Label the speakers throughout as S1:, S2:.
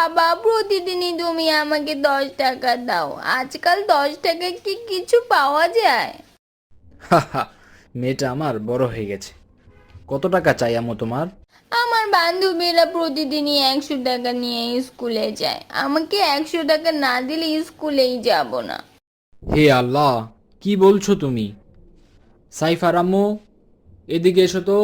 S1: বাবা, প্রতিদিনই তুমি আমাকে 10 টাকা দাও। আজকাল 10 টাকায় কি কিছু পাওয়া যায়?
S2: হাহা, মেয়েটা আমার বড় হয়ে গেছে। কত টাকা চাই আম্মু তোমার?
S1: আমার বান্ধবীরা প্রতিদিনই 100 টাকা নিয়ে স্কুলে যায়। আমাকে 100 টাকা না দিলে স্কুলেই যাব না।
S2: হে আল্লাহ, কি বলছো তুমি? সাইফার আম্মু, এদিকে এসো তো।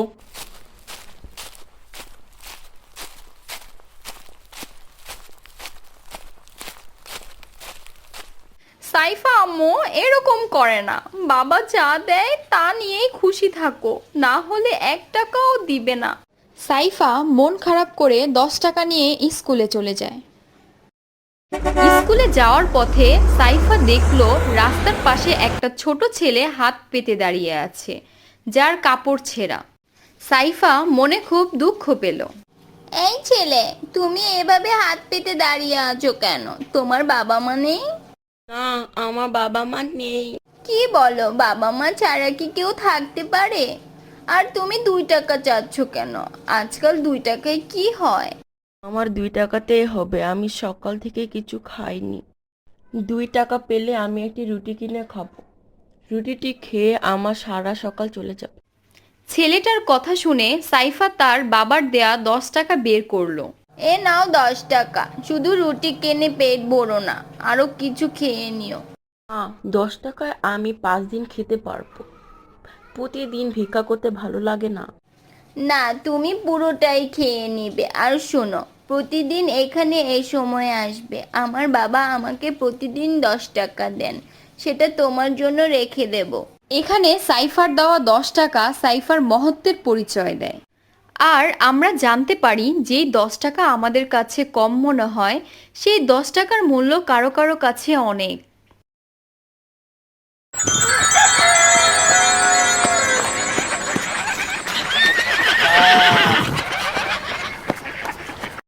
S1: সাইফা আম্মু এরকম করে না। বাবা যা দেয় তা নিয়েই খুশি থাকো, না হলে 1 টাকাও দিবে না। সাইফা মন খারাপ করে 10 টাকা নিয়ে স্কুলে চলে যায়। স্কুলে যাওয়ার পথে সাইফা দেখলো রাস্তার পাশে একটা ছোট ছেলে হাত পেতে দাঁড়িয়ে আছে, যার কাপড় ছেঁড়া। সাইফা মনে খুব দুঃখ পেল। এই ছেলে, তুমি এভাবে হাত পেতে দাঁড়িয়ে আছো কেন? তোমার বাবা মা নেই?
S3: না, আমার বাবা মা নেই।
S1: কি বলো, বাবা মা ছাড়া কি কেউ থাকতে পারে? আর তুমি 2 টাকা চাচ্ছ কেন? আজকাল 2 টাকায় কি হয়?
S3: আমার 2 টাকাতেই হবে, আমি সকাল থেকে কিছু খাইনি। 2 টাকা পেলে আমি একটি রুটি কিনে খাবো। রুটিটি খেয়ে আমার সারা সকাল চলে যাবে।
S1: ছেলেটার কথা শুনে সাইফা তার বাবার দেয়া 10 টাকা বের করলো। এ নাও 10 টাকা, শুধু রুটি কিনে পেট ভরো না, আরো কিছু খেয়ে নিও।
S3: 10 টাকায় আমি 5 দিন খেতে পারবো। প্রতিদিন ভিক্ষা করতে ভালো লাগে না।
S1: না, তুমি পুরোটাই খেয়ে নিবে। আর শোনো, প্রতিদিন এখানে এই সময়ে আসবে। আমার বাবা আমাকে প্রতিদিন 10 টাকা দেন, সেটা তোমার জন্য রেখে দেব। এখানে সাইফার দেওয়া 10 টাকা সাইফার মহত্বের পরিচয় দেয়। আর আমরা জানতে পারি যেই 10 টাকা আমাদের কাছে কম মনে হয়, সেই 10 টাকার মূল্য কারো কারো কাছে অনেক।